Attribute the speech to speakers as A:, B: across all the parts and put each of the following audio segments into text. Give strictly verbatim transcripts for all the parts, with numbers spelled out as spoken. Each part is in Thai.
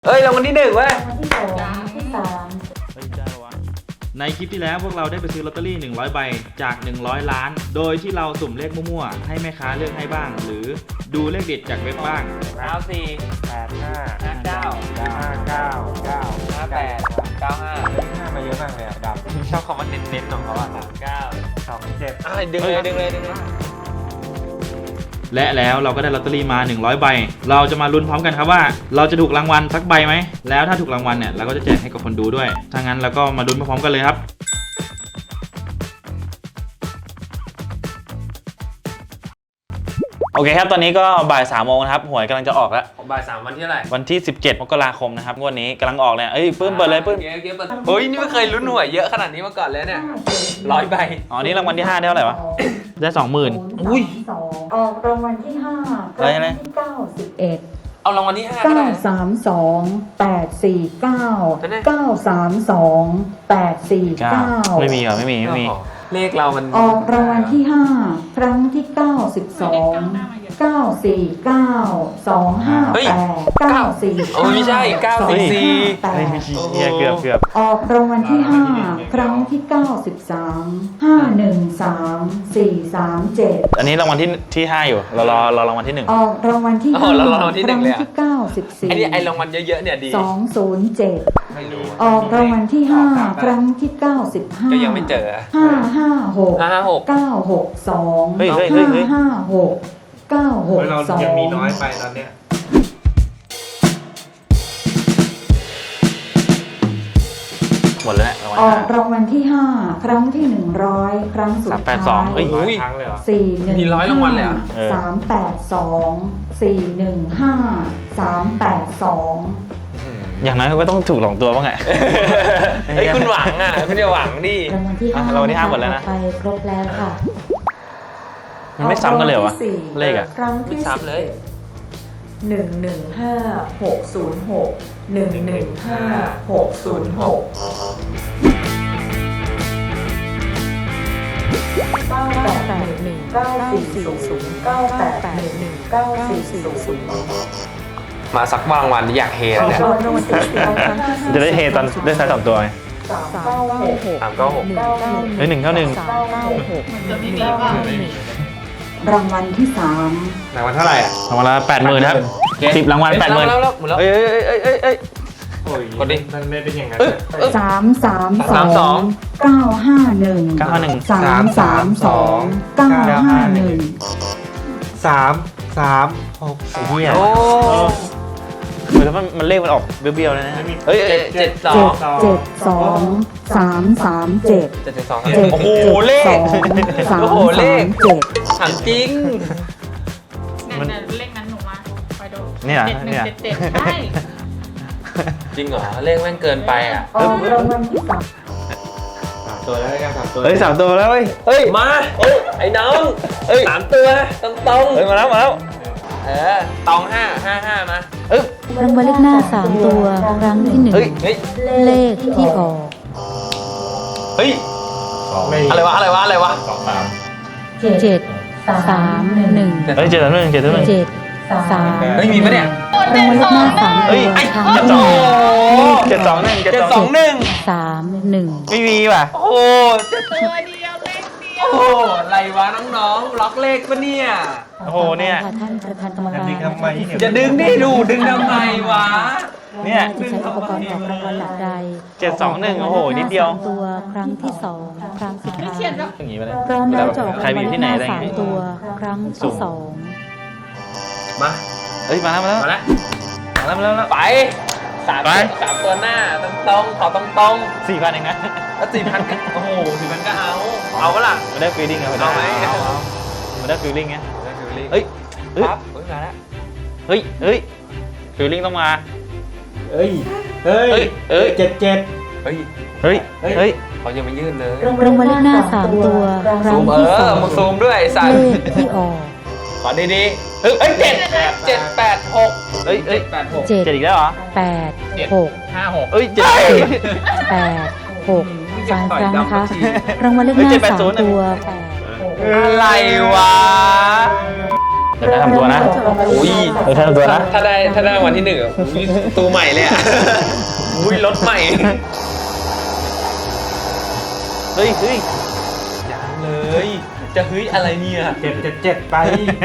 A: เฮ้ยรางวัลที่หนึ่งเว้ย
B: รางวัลที่สองที่สาม
C: เฮ้ยได้วะในคลิปที่แล้วพวกเราได้ไปซื้อลอตเตอรี่หนึ่งร้อยใบจากหนึ่งร้อยล้านโดยที่เราสุ่มเลขมั่วๆให้แม่ค้าเลือกให้บ้างหรือดูเลขเด็ดจากเว็บบ้าง
A: เก้าสี่
D: แปดห้า
A: ห้าเก้า
D: ห้าเก้าเก้า
A: ห้าแปดเก้าห้า
D: ห้ามาเยอะมากเลยอ่ะดำ
A: ชอบคำว่าเน้นๆของเขาอ่ะเก้า
D: สองเจ็ด
A: อะไรดึงเลยดึงเลยดึงเลย
C: และแล้วเราก็ได้ลอตเตอรี่มาหนึ่งร้อยใบเราจะมาลุ้นพร้อมกันครับว่าเราจะถูกรางวัลสักใบไหมแล้วถ้าถูกรางวัลเนี่ยเราก็จะแจกให้กับคนดูด้วยถ้างั้นเราก็มาลุ้นพร้อมๆกันเลยครับโอเคครับตอนนี้ก็บ่ายสามโมงนะครับหวยกำลังจะออกแล้ว
A: บ่ายสามวันที่เท่าไหร่
C: วันที่สิบเจ็ดมกราคมนะครับงวดนี้กำลังออกเนี่ยเอ้ยปื้มเปิดเลยปื้ม
A: เดี๋ยวเดี๋ยวเปิดเฮ้ยนี่ไม่เคยลุ้นหวยเยอะขนาดนี้มาก่อนเลยเนี่ยร้อยใบ
C: อ๋อนี่รางวัลที่ห้าได้เท่าไหร่วะได้สองหมื่น
B: อุ้ยสองออกรางวัลที่ห้าครั้งที่เก้าสิบเอ็ด
A: เอารางวัลที่ห้าก็
B: เก้า
A: ได้
B: สามสองแปดสี่เก้า
A: นั่นไง
B: เก้าสามสองแปดสี่เก้า
C: ไม่มีเหรอไม่มีไม่มี
A: เลขเรามัน
B: ออกรางวัลที่ห้าครั้งที่เก้าสิบสองเก้าสี่เก้าสองห้าแปดเก้าสี่
A: โอ้ยไม่ใช่เก้าสี่สี่
B: แปด
C: เนี่ยเกือบเกือบ
B: ออกรางวัลที่ห้าครั้งที่เก้าสิบสามห้าหนึ่งสามสี่สามเจ็ด
C: อันนี้รางวัลที่ที่ห้าอยู่เรารอรอรางวัลที่หนึ่ง
B: ออกรางวัลที่ห้าครั้งที่เก้าสิบสี่
A: ไอ้นี่ไอ้รางวัลเยอะๆเนี่ยดี
B: สองศูนย์เจ็ด
A: ไม่รู้
B: ออกรางวัลที่ห้าครั้งที่เก้าสิบห้า
A: ก็ยังไม่เจอ
B: ห้าห้าหก
A: ห้าห้าหก
B: เก้าหกสอง
C: เฮ้ยเฮ้ยเฮ้
B: ห้าย
C: เฮ้ย
B: ห้าหกเก้าหก
D: เรา
B: สอง
D: ยังมีน้อยไปตอนเนี้ย
C: หมดแล้วรางวัล
B: ออก
C: ห้าร
B: างวัลที่ห้าครั้งที่หนึ่งร้อยครั้งสุด
C: สามแป
B: ท้า
C: ดสองเฮ้ย
B: ย
D: ร้อยครั้งเลยเหรอ
B: สี่หนึ่ง
A: มีร้อยรางวัลเลยเหรอ
C: เออ
B: สามแปดสองสี่หนึ่งห้าสามแปดสอง
C: อย่างน้อยเขาก็ต้องถูกหลงตัวบ้างไง
A: เฮ้ยคุณหวังอ่ะคุณอย่าหวังดิ
B: รางวัลที่ห้า
C: อ่ะรางวัลที่ห้าหมดแล้วนะ
B: ไปครบแล้วค่ะ
C: มันไม่ซ้ำกันเลยเหรอวะ
B: ออกรางวัที่สี่
C: เลขอะ
B: ครั้ง
A: ไม่
B: ที่
A: ซ้ำเลย
B: หนึ่งหนึ่งห้าหกศูนย์หกหนึ่งหนึ่งห้าหกศูนย์หกเก้าแปดหนึ่งเก้าสี่ศูนย์เก้าแปดหนึ่งเก้าสี่ศูนย์
A: มาสักรางวัลอยากเฮแล้วเนี่ย
B: รางวัลที่สี่ครั้งที่ห้า
C: จะได้เฮตอนได้ท้ายสองตัวไง
B: สามเก้าหก
A: สามเก้าหก
B: เก้าหนึ่ง
C: เฮ้ยหนึ่งเก้าหนึ่ง
B: เก้าเก้าหกรางวัลที่สาม
D: รางวัลเท่าไหร่อ่ะ
C: รางวัลละแปดหมื่นครับสิบรางวัลแปดหมื่น
A: แล้วแล้วแล้ว
C: เอ้ยเอ้ยเอ้ยเอ้ยเอ้ย
D: โอ้ย
A: กดดิ
D: มันไม่เป็นอย่างนั้น
A: เอ้ย
D: อะ
A: เอ้ย
B: สามสามส
A: สามส
B: อ
A: อง ง
B: เก้าห้าหนึ่ง
C: เก้าห้าหนึ่ง
B: สามสามสองเก้าห้าหนึ่ง
D: สามสามหก
C: ไอ้เหี้ย
A: โอ้
C: เออแล้วมันมันเลขมันออกเบี้ยวๆเลยนะเฮ้ย
A: เจ็ดเจ็ดสอ
B: เจ็
A: ง
B: ดเจ็ดสองสามสามเจ็ด
A: เจ็ดเจ็ดสอง
B: เจ็ด
A: โอ้โห
B: เจ็ด
A: เลข
B: สองสาม
A: โอ้โหเล
B: สา
A: ข
B: มเจ็ด
A: ถามจริง
C: มัน
E: นั่นๆเลขนั้นหนูมาคอยดู
C: เนี่ย
E: เจ็ดหนึ่
C: เนี่
E: ง
C: ย
E: เจ็ดเจ็ดใช่
A: จริงเหรอเลขแม่งเกินไปอ่ะ
B: ออกรางวัลที่สาม
D: สามตัวแล้วกันสามตัว
C: เฮ้ยสามตัวแล้วเฮ้ยเฮ้ย
A: มาเอ้ยไอ้น้องเอ้ยสามตัวตรงตรง
C: เฮ้ยมาแล้วมาแล้ว
A: เออตองห้าห้าห้ามา
C: เอ้ย
F: รางวัลเลขหน้าสามตัวครั้งที่หนึ่ง
C: เฮ้ย
A: เฮ้ย
F: เลขที่ออก
A: เฮ้ย
D: ไม่
A: อะไรวะอะไรวะอะไรวะ
D: สองสาม
F: เจ็ดสามหนึ่ง
C: เฮ้ยเจ็ดสามหนึ่งเจ็ดสามหนึ่ง
F: เจ็ดสาม
A: เฮ้ยมีปะเนี่ย
F: รางวัลเลขหน้าสาม
C: เฮ้
F: ตั
C: ยว ไอ้
F: ครั้ง
C: เจ็ด
F: ที่
C: ส
F: ห
C: อง
F: นึ่ง
C: เจ็ดสองหนึ่งเจ็ด
A: เจ็ด
C: สอง
A: สองหนึ่ง
F: สามหนึ่ง
C: ไม่มีว่ะ
A: โอ้โหเจ็ด
E: ตัวเดียวเลขเดียว
A: โอ้โหอะไรวะน้องๆล็อกเลขปะเนี่ย
C: โอ้โหเนี่ย
F: ค่ะท่านประธานกรรม
D: อัน
F: การ
D: นี้ทำไมเนี่ย
A: จะดึงดิดูดึงทำไมวะ
C: เนี่ย
F: จะใช้อุปกรณ์ออกรางวัลหลักใด
C: เจ็ดสองหนึ่งโอ้โหนิดเดียว
F: สามตัวครั้งที่สองครั้งสุด
E: ไม่
F: ท้าย
E: เฉียดหรอก
C: อย่างงี้ไปเลย
F: พร้อมแล้วจะออก
C: ใคร
F: ราง
C: มี
F: วัล
C: อยู่
F: เล
C: ที่
F: ข
C: ไหน
F: หน้า
C: อะไรอย่าง
F: สาม
C: งี้
F: ตัวครั้งที่สอง
A: มา
C: เฮ้ยมาแล้วมาแล้ว
A: มาแล้ว
C: มาแล้วมาแล้ว
A: ไปสาม
C: ไป
A: สามตัวหน้าตรงตรงๆขอตรงตรง
C: สี่พันเองนะ
A: ๆแล้วสี่พันโอ้โหสี่พันก็เอา เอาปะล่ะ
C: มันได้ฟีลลิ่งไงมันได้
A: เอาไหม
C: มันได้ฟีลลิ่งไง
A: เฮ้
C: เฮ้
A: ย
C: ยเฮ้ย
A: ปั๊บเฮ้ยมาแล้ว
C: เฮ้ยเฮ้ยฟีลลิ่งต้องมา
D: เอ้ยเอ้ย
C: เอ้ยเอ้ย
D: เจ็ดเจ็ด
A: เฮ้ย
C: เฮ้ยเฮ้ย
A: เขายังไม่ยื่นเลย
F: รางวัลเลขหน้าสามตัวครั้
A: ซู
F: ง
A: มเอ
F: ที่ส
A: อ
F: อง
A: มาซูมด้วยไอ้สัต
F: เล
A: ว์
F: ขที่ออก
A: ขอดีๆเฮ้ยเอ้ยเจ็ดเจ็ดแปดหก
C: เฮ้ยเฮ้ย
A: แปดหก
F: เจ็ด
C: เจ็ดอีกแล้วเหรอ
F: แปดหก
A: ห้าหก
C: เอ้ยเจ็ด
F: แปดหกสามครั้งนะคะ รางวัลเลขห
C: เฮ้ย
F: น้า
C: เจ็ดแปด
F: สาม
C: ศูนย์
F: ตัวแปด
A: อะไรวะ
C: เดี๋ยวได้ทำตัวนะ
A: อุ้ย
C: เดี๋ยวได้ทำตัวนะ
A: ถ้าได้ถ้าได้รางวัลที่หนึ่งอ่ะอุ้ยตัวใหม่เลยอ่ะ อุ้ยรถใหม่ เฮ้ยเฮ้ยยังเลย จะเฮ้ยอะไรเนี่ย
D: เจ็ดเจ็ดเจ็ดไป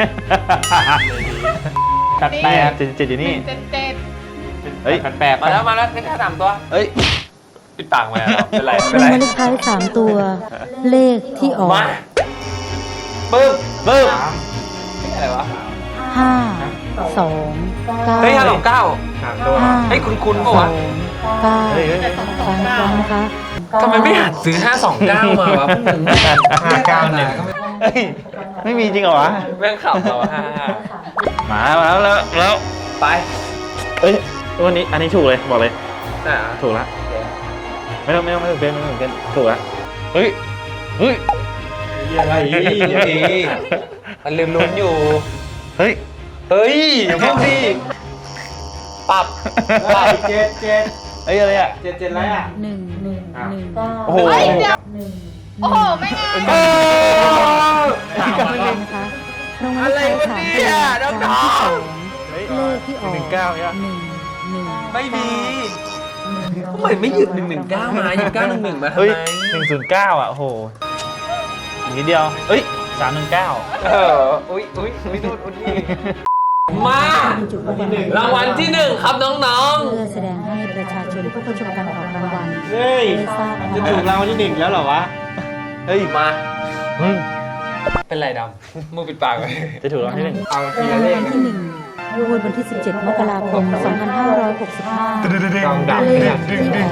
C: แปดแปดเจ็ดเจ็ดอยู่นี่
E: เจ็ดเจ็ด
C: เฮ้ย
D: แปดแปด
A: มาแล้วมาแล้วเลขท้ายสามตัว เฮ้ยปิดปากมาแล้วเป็นไรเป็น
F: ราง
A: ไร
F: วัลเลขท้ายสามตัว เลขที่ออก
A: มาปึ๊บปึ๊บ
D: สาม
A: อะไรวะ
F: ห้าสองเก้า
A: เฮ้ยห้าสองเก้า
D: สามตัว
F: ห้า
A: เฮ้ยคุณคุณ
F: ส
A: ปะ
F: อ
A: วะ
F: งเก้า
C: เฮ้ยเฮ้ย
F: ฟังฟังนะคะ
A: ทำไมไม่หัดซื้อห้าสองเก้ามาวะพวกมึง
D: ห้าเก้าหนึ่ง
C: เฮ้ย ไม่มีจริงเหรอวะ
A: แม่งขับเราห้าห้า
C: มาแล้วแล้วแล้ว
A: ไป
C: เอ้ยวันนี้อันนี้ถูกเลยบอกเลย
A: น่ะ
C: ถูกละไม่ต้องไม่ต้องไม่ต้องเป็นไม่ต้องเป็นถูกละเฮ้ยเฮ้ย
D: อะไรอีก
A: ดีมันลืมลุ้นอยู่
C: เฮ้ย
A: เฮ้ยอย่าพูดดิปรับปรับ
D: เจ็ดเจ็ด
C: เฮ้ยอะไรอ่ะ
D: เจ็ดเจ็ดอะไรอ่ะ
F: หนึ่งหนึ่งหนึ่ง
C: โอ้โห
E: เฮ้ยเดี๋ยวโอ้โห ไม่ง่าย
A: เออ
F: นะคะรางวัลเลขท้ายสามตัวครั้งที่สองเลขที่ออก
C: หนึ่งเก้าเนี่ย
F: หนึ่งหนึ่ง
A: ไม่มีทำไมไม่หยิบหนึ่งหนึ่งเก้ามาหยิบเก้าหนึ่งหนึ่งมาทำ
C: เฮ้ย
A: ไม
C: หนึ่งศูนย์เก้าอ่ะโอ้โหอีกนิดเดียวเอ้ยสามหนึ่งเก้า
A: เอออุ้ยอุ้ยอุ้ยนู่นอุ้ยนี่มา
F: เป็นจุดรางวัล
A: รางวัลที่หนึ่งครับน้อง
F: เพื่อแสดงให้ประชาชนผู้เข้าชมการออกรางวัล
D: เฮ้ย
F: ได้ทราบนะ
D: จะ
F: คะ
D: ถูกรางวัลที่หนึ่งแล้วเหรอวะ
C: เฮ้ย
A: ๆมา
C: อืม
A: เป็นไรดำมือปิดปากไว้
C: จะถูกรางวัลที่หนึ่ง
D: เอาที
F: รา
D: ละ
F: ง
D: เล
F: วั
D: ข
F: ลที่หนึ่งงวดวันที่สิบเจ็ดมกราคมสองพันห้าร้อยหกสิบห้า
D: กองดับ
F: เล
D: เนี่
F: ข
D: ย
F: ที่ออก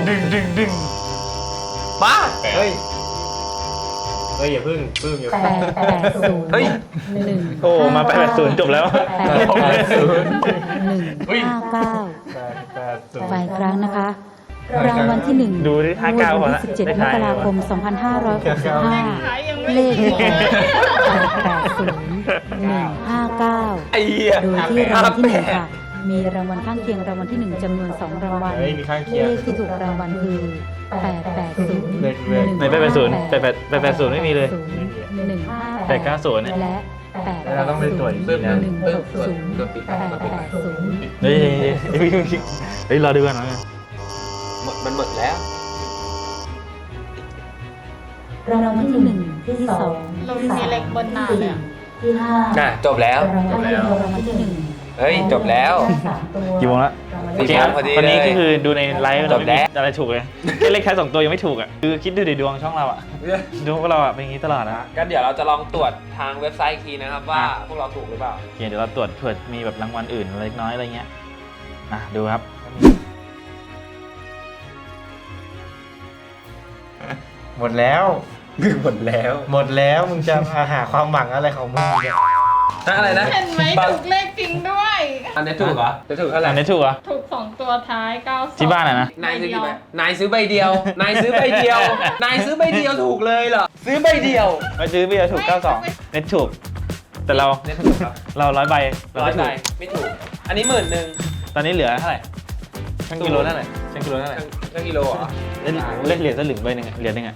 A: มา
D: เฮ้ย เฮ้ยอย่าพึ่งพึ่งอย่า
F: แป
D: พึ่ง
F: ดแปดศูนย์
A: เฮ้ย
F: หนึ่ง
C: โอ้มาแปดศูนย์จบแล้ว
F: แปดแปดศูนย์หนึ่งห้าเก้า
D: แปดแปดศูนย์
F: ฝ่ายครั้งนะคะ รางวัลที่หนึ่ง
C: ดูที่ห้าเก้าก่อน
F: วั
C: ละ
F: ที่สิบเจ็ดมกราคมสองพันห้าร้อยหกสิบห้า
E: ขายยังไม่
F: เลข
E: ถู
F: ที่
E: ก
F: ออกแปดแปดศูนย์หนึ่งห้าเก้า
A: ไอ้เหี้ย
F: โดยที่รางวัลที่หนึ่งค่ะ มีรางวัลข้างเคียงรางวัลที่หนึ่งจำนวนสองรางวัล
D: เฮ้ยมีข้างเคี
F: เลย
D: ง
F: ขที่ถูกรางวัลคือแปดแปดศูนย์
D: เลขเลข
C: ไหนแปดแปดศูนย์แปดแปดแปดแปดศูนย์ไม่มีเลย
F: หนึ่งห้า
C: แปดเก้าศูนย์เนี่ย
F: และแปด
D: เราต้องไปตรวจอีกที
F: ห
D: นะ
F: นึ่งหกศูนย์แปดแปดศูนย์
C: เฮ้ยเฮ้ยเฮ้ยเฮ้ยเฮ้ยรอดูกันหน่อย
A: หมดมันหมดแล้ว
F: รางวัลที่หนึ่งที่สอง
E: เรามีเล็กบนหน้าเลยอะ
F: ที่ห้า
A: น่ะจบแล้ว
F: รางวัลที่หนึ่งรางวัลที่หนึ่ง
A: เฮ้ยจบแล้ว
F: สามตัว
C: กี่โมงละ
A: สี่
C: โอเคครับ
A: โมงพอดี
C: วันนี้
A: เลย
C: ก็คือดูในไลฟ์
A: จ
C: เรา
A: บ
C: ไม่
A: แล้
C: มี
A: ว
C: อะไรถูกเลยแค่เลขท้ายสองตัวยังไม่ถูกอ่ะคือคิดดูดิดวงช่องเราอ่ะดวงพวกเราอ่ะเป็นอย่างนี้ตลอดนะ
A: ก็เดี๋ยวเราจะลองตรวจทางเว็บไซต์อีกทีนะครับว่า
C: อ่ะ
A: พวกเราถูกหรือเปล่า
C: โอเคเดี๋ยวเราตรวจเผื่อมีแบบรางวัลอื่นเล็กน้อยอะไรเงี้ยอ่ะดูครับ
D: หมดแล้ว
A: หมดแล้ว
D: หมดแล้วมึงจะหาความหวังอะไรของมึงเนี่ย
A: อะไรนะ
E: เห็นไหมถูกเลขจริงด้วย
A: อันนี้ถูกเหรอจะถูกเท่าไหร่
C: อันนี้ถูกเหรอ
E: ถูกสองตัวท้ายเก้าสอง
C: ที่บ้านอะนะ
A: นายซื้อกี่ใบนายซื้อใบเดียว นายซื้อใบเดียว นายซื้อใบเดียวถูกเลยเหรอ ซื้อใบเดียว
C: ไปซื้อเบียร์ถูกเก้าสองเน็ตถูก แต่เรา
A: เนี่ยถูกครับ
C: เราร้อยใบเรา
A: ร้อย
C: ไม่
A: ใบ
C: ถูก
A: ไม่ถูก อันนี้หมื่นหนึ่ง
C: ตอนนี้เหลือเท่าไหร่ช่างกิโลเท่าไหร่ช่างกิโลเท่าไหร่
A: ช่างกิโลเหรอ
C: เล่นเล่นเหรียญสลึงใบหนึ่งอะเหรียญหนึ่งอะ